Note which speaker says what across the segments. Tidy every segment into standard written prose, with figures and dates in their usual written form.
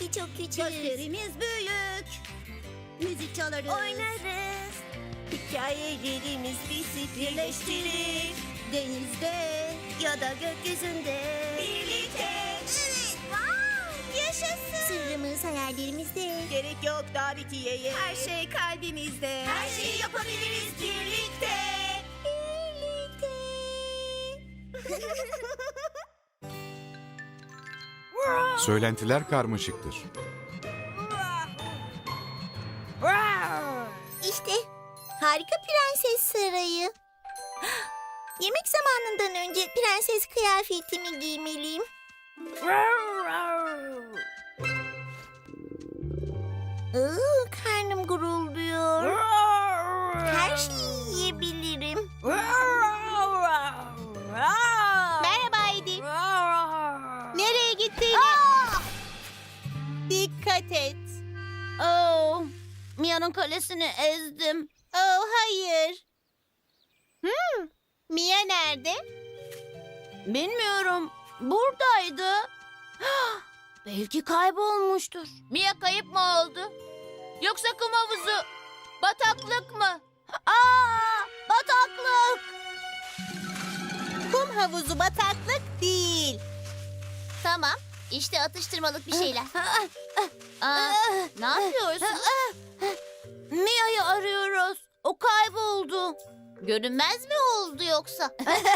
Speaker 1: Belki çok küçüğüz.
Speaker 2: Gözlerimiz büyük. Müzik çalarız.
Speaker 1: Oynarız.
Speaker 3: Hikayelerimiz bizi birleştirir.
Speaker 2: Denizde
Speaker 3: Ya da gökyüzünde birlikte.
Speaker 1: Evet. Wow, yaşasın. Sırrımız hayallerimizde.
Speaker 3: Gerek yok davetiyeye.
Speaker 2: her şey kalbimizde.
Speaker 3: Her şeyi yapabiliriz birlikte.
Speaker 4: Söylentiler karmaşıktır.
Speaker 1: İşte harika prenses sarayı. Yemek zamanından önce prenses kıyafetimi giymeliyim. Karnım gurulduyor. Her şeyi yiyebilirim. Merhaba Edi. Nereye gittin? Dikkat et. Oh, Mia'nın kalesini ezdim. Oh, hayır. Mia nerede? Bilmiyorum. Buradaydı. Belki kaybolmuştur.
Speaker 5: Mia kayıp mı oldu? Yoksa kum havuzu, bataklık mı?
Speaker 1: Bataklık. Kum havuzu bataklık değil.
Speaker 5: Tamam, işte atıştırmalık bir şeyler. Ne yapıyorsun?
Speaker 1: Mia'yı arıyoruz. O kayboldu.
Speaker 5: Görünmez mi oldu yoksa?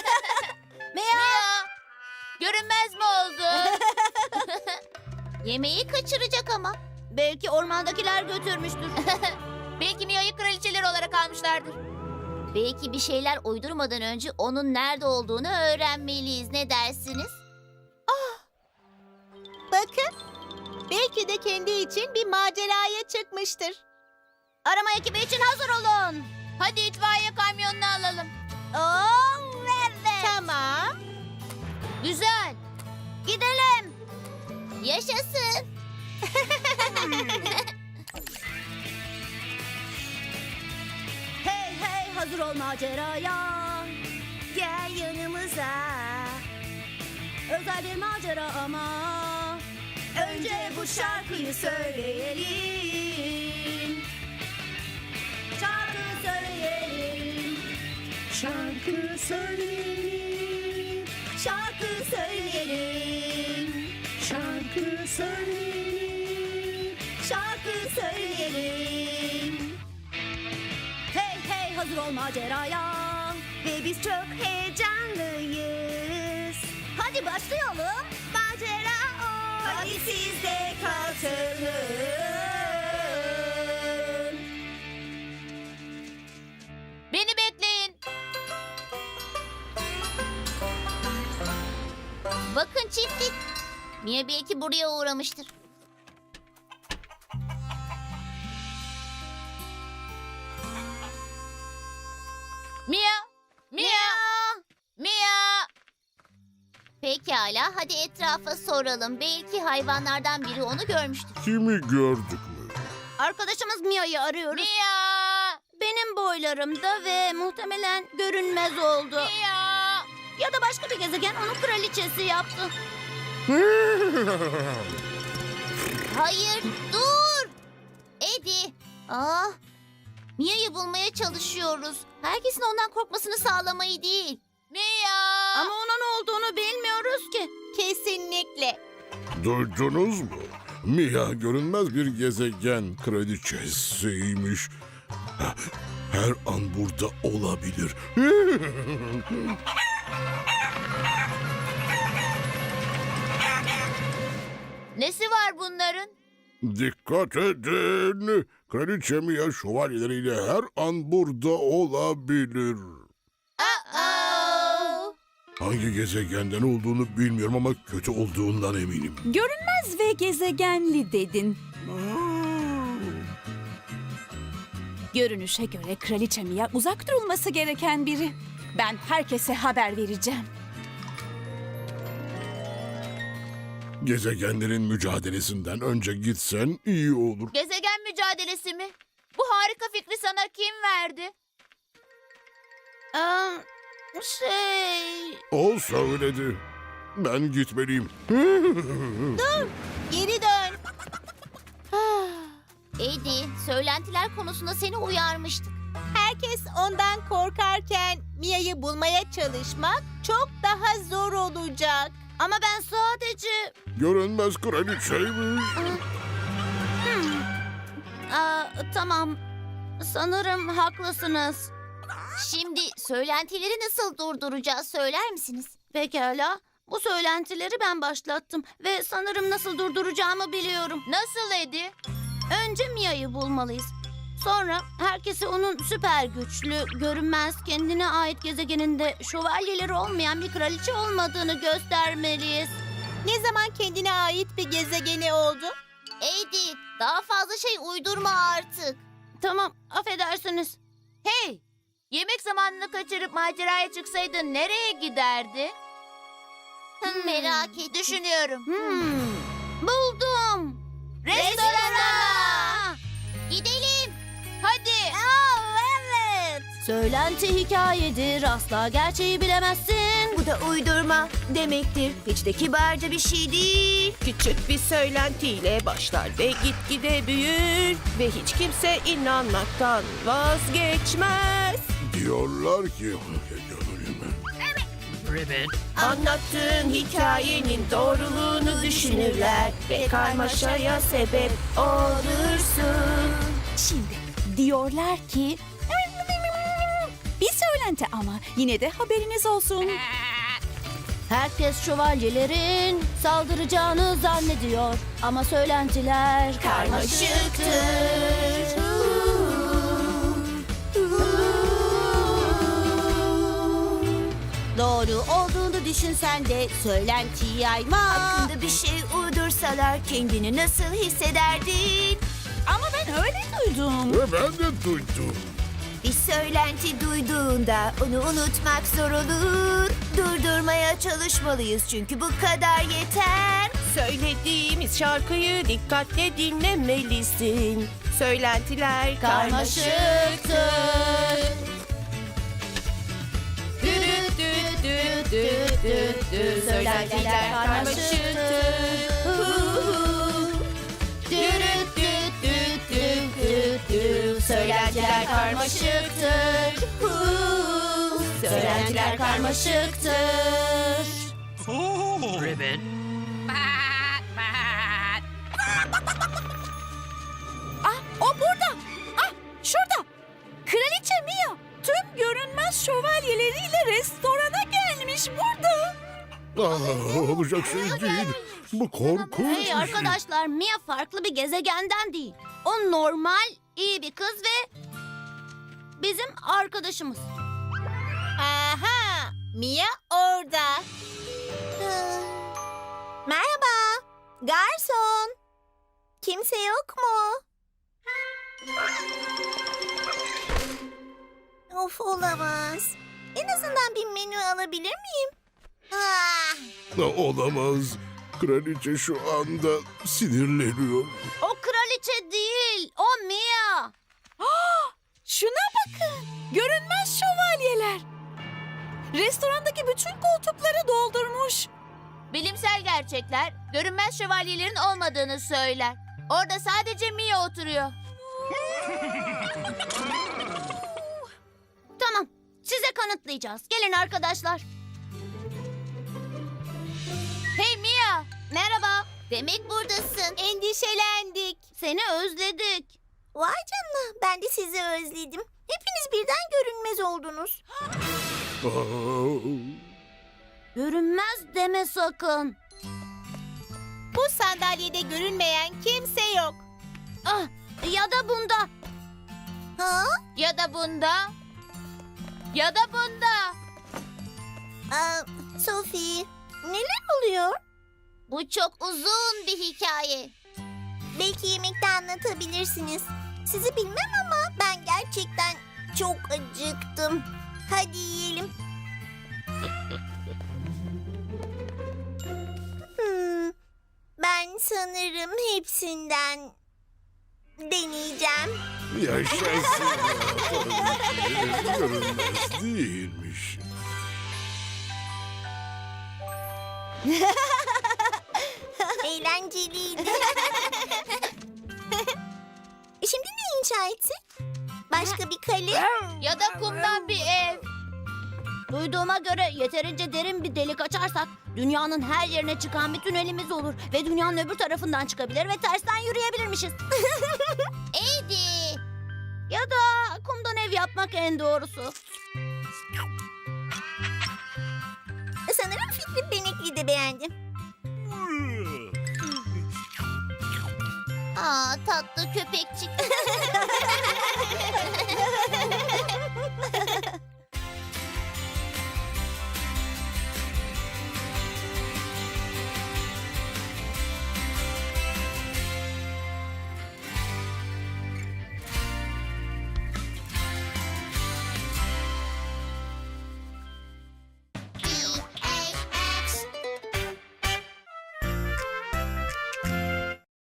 Speaker 5: Mia! Görünmez mi oldu? Yemeği kaçıracak ama.
Speaker 1: Belki ormandakiler götürmüştür.
Speaker 5: Belki Mia'yı kraliçeler olarak almışlardır. Belki bir şeyler uydurmadan önce onun nerede olduğunu öğrenmeliyiz. Ne dersiniz?
Speaker 1: Bakın. Belki de kendi için bir maceraya çıkmıştır. Arama ekibi için hazır olun.
Speaker 5: Hadi itfaiye kamyonunu alalım.
Speaker 1: Evet. Tamam.
Speaker 5: Güzel.
Speaker 1: Gidelim.
Speaker 5: Yaşasın.
Speaker 2: Hey hey hazır ol maceraya.
Speaker 3: Gel yanımıza.
Speaker 2: Özel bir macera ama.
Speaker 3: Önce bu şarkıyı söyleyelim.
Speaker 2: Şarkı söyleyelim.
Speaker 3: Şarkı söyleyelim.
Speaker 2: Şarkı söyleyelim.
Speaker 3: Şarkı söyleyelim.
Speaker 2: Şarkı söyleyelim. Hey hey hazır ol maceraya.
Speaker 3: Ve biz çok heyecanlıyız.
Speaker 2: Hadi başlayalım.
Speaker 3: Macera o. Hadi siz de katılın.
Speaker 5: Beni bekleyin. Bakın çiftlik. Mia belki buraya uğramıştır. Mia! Mia! Mia! Pekala, hadi etrafa soralım. Belki hayvanlardan biri onu görmüştür.
Speaker 6: Kimi gördük mü?
Speaker 1: Arkadaşımız Mia'yı arıyoruz.
Speaker 5: Mia!
Speaker 1: Benim boylarımda ve muhtemelen görünmez oldu.
Speaker 5: Mia!
Speaker 1: Ya da başka bir gezegen onu kraliçesi yaptı.
Speaker 5: Hayır, dur! Eddie! Mia'yı bulmaya çalışıyoruz. Herkesin ondan korkmasını sağlamayı değil. Mia!
Speaker 1: Ama ona ne olduğunu bilmiyoruz ki. Kesinlikle.
Speaker 6: Duydunuz mu? Mia görünmez bir gezegen kraliçesiymiş. Her an burada olabilir.
Speaker 5: Nesi var bunların?
Speaker 6: Dikkat edin. Kraliçe Mia şövalyeleriyle her an burada olabilir. Hangi gezegenden olduğunu bilmiyorum ama kötü olduğundan eminim.
Speaker 7: Görünmez ve gezegenli dedin. Görünüşe göre Kraliçe Mia uzak durulması gereken biri. Ben herkese haber vereceğim.
Speaker 6: Gezegenlerin mücadelesinden önce gitsen iyi olur.
Speaker 5: Gezegen mücadelesi mi? Bu harika fikri sana kim verdi?
Speaker 6: O söyledi. Ben gitmeliyim.
Speaker 1: Geri dön.
Speaker 5: Eddie, söylentiler konusunda seni uyarmıştık.
Speaker 1: Herkes ondan korkarken Mia'yı bulmaya çalışmak çok daha zor olacak.
Speaker 2: Ama ben sadece...
Speaker 6: Görünmez kraliçeymiş.
Speaker 2: Tamam. Sanırım haklısınız.
Speaker 5: Şimdi söylentileri nasıl durduracağız söyler misiniz?
Speaker 2: Pekala. Bu söylentileri ben başlattım ve sanırım nasıl durduracağımı biliyorum.
Speaker 5: Nasıl Eddie?
Speaker 2: Önce Mia'yı bulmalıyız. Sonra herkese onun süper güçlü, görünmez, kendine ait gezegeninde şövalyeleri olmayan bir kraliçe olmadığını göstermeliyiz.
Speaker 1: Ne zaman kendine ait bir gezegeni oldu?
Speaker 5: Eddie, daha fazla şey uydurma artık.
Speaker 2: Tamam, affedersiniz.
Speaker 5: Hey, yemek zamanını kaçırıp maceraya çıksaydın nereye giderdi? Merak et, düşünüyorum.
Speaker 2: Buldum.
Speaker 5: Restorana! Gidelim. Hadi.
Speaker 2: Evet. Söylenti hikayedir, asla gerçeği bilemezsin.
Speaker 3: Bu da uydurma demektir. Hiç de kibarca bir şey değil.
Speaker 8: Küçük bir söylentiyle başlar ve gitgide büyür ve hiç kimse inanmaktan vazgeçmez.
Speaker 6: Diyorlar ki...
Speaker 8: Anlattığın hikayenin doğruluğunu düşünürler ve karmaşaya sebep olursun.
Speaker 7: Şimdi diyorlar ki... Bir söylenti ama yine de haberiniz olsun.
Speaker 2: Herkes şövalyelerin saldıracağını zannediyor. Ama söylentiler karmaşıktır. Doğru olduğunu düşünsen de söylentiyi yayma.
Speaker 3: Hakkında bir şey uydursalar kendini nasıl hissederdin?
Speaker 7: Ama ben öyle duydum.
Speaker 6: Ve ben de duydum.
Speaker 3: Bir söylenti duyduğunda onu unutmak zor olur. Durdurmaya çalışmalıyız çünkü bu kadar yeter.
Speaker 8: Söylediğimiz şarkıyı dikkatle dinlemelisin. Söylentiler
Speaker 2: Karmaşıktır.
Speaker 8: Düt düt düt düt düt düt. Söylentiler karmaşıktır. Düt düt düt düt düt düt. Söylentiler karmaşıktır.
Speaker 2: Söylentiler karmaşıktır.
Speaker 7: O burada. Şurada. Kraliçe Mia tüm görünmez şövalyeleriyle restorana gelmiş burada.
Speaker 6: Olacak şey değil. Bu korkunç bir
Speaker 2: Hey
Speaker 6: şey.
Speaker 2: arkadaşlar, Mia farklı bir gezegenden değil. O normal, iyi bir kız ve bizim arkadaşımız.
Speaker 1: Aha! Mia orada.
Speaker 3: Merhaba. Garson. Kimse yok mu? Of olamaz. En azından bir menü alabilir miyim?
Speaker 6: Olamaz. Kraliçe şu anda sinirleniyor.
Speaker 2: O kraliçe değil, o Mia.
Speaker 7: Şuna bakın. Görünmez şövalyeler. Restorandaki bütün koltukları doldurmuş.
Speaker 5: Bilimsel gerçekler görünmez şövalyelerin olmadığını söyler. Orada sadece Mia oturuyor.
Speaker 2: Tamam, size kanıtlayacağız. Gelin arkadaşlar.
Speaker 5: Hey Mia,
Speaker 2: Merhaba,
Speaker 5: demek buradasın.
Speaker 1: Endişelendik.
Speaker 2: seni özledik.
Speaker 3: Vay canına, ben de sizi özledim. Hepiniz birden görünmez oldunuz.
Speaker 2: Görünmez deme sakın.
Speaker 1: Bu sandalyede görünmeyen kimse yok.
Speaker 2: Ah, ya da bunda.
Speaker 3: Ha?
Speaker 5: Ya da bunda. Ya da bunda.
Speaker 3: Sophie, neler oluyor?
Speaker 5: Bu çok uzun bir hikaye.
Speaker 3: Belki yemekte anlatabilirsiniz. Sizi bilmem ama ben gerçekten çok acıktım. Hadi yiyelim. Ben sanırım hepsinden deneyeceğim.
Speaker 6: Yaşasın. Görünmez değilmiş.
Speaker 3: Eğlenceliydi.
Speaker 1: inşa etsin? Başka bir kale?
Speaker 5: Ya da kumdan bir ev.
Speaker 2: Duyduğuma göre yeterince derin bir delik açarsak dünyanın her yerine çıkan bir tünelimiz olur ve dünyanın öbür tarafından çıkabilir ve tersten yürüyebilirmişiz.
Speaker 5: Edi.
Speaker 2: Ya da kumdan ev yapmak en doğrusu.
Speaker 1: Sanırım fikri Benekli de beğendim.
Speaker 5: Aa, tatlı köpekçik.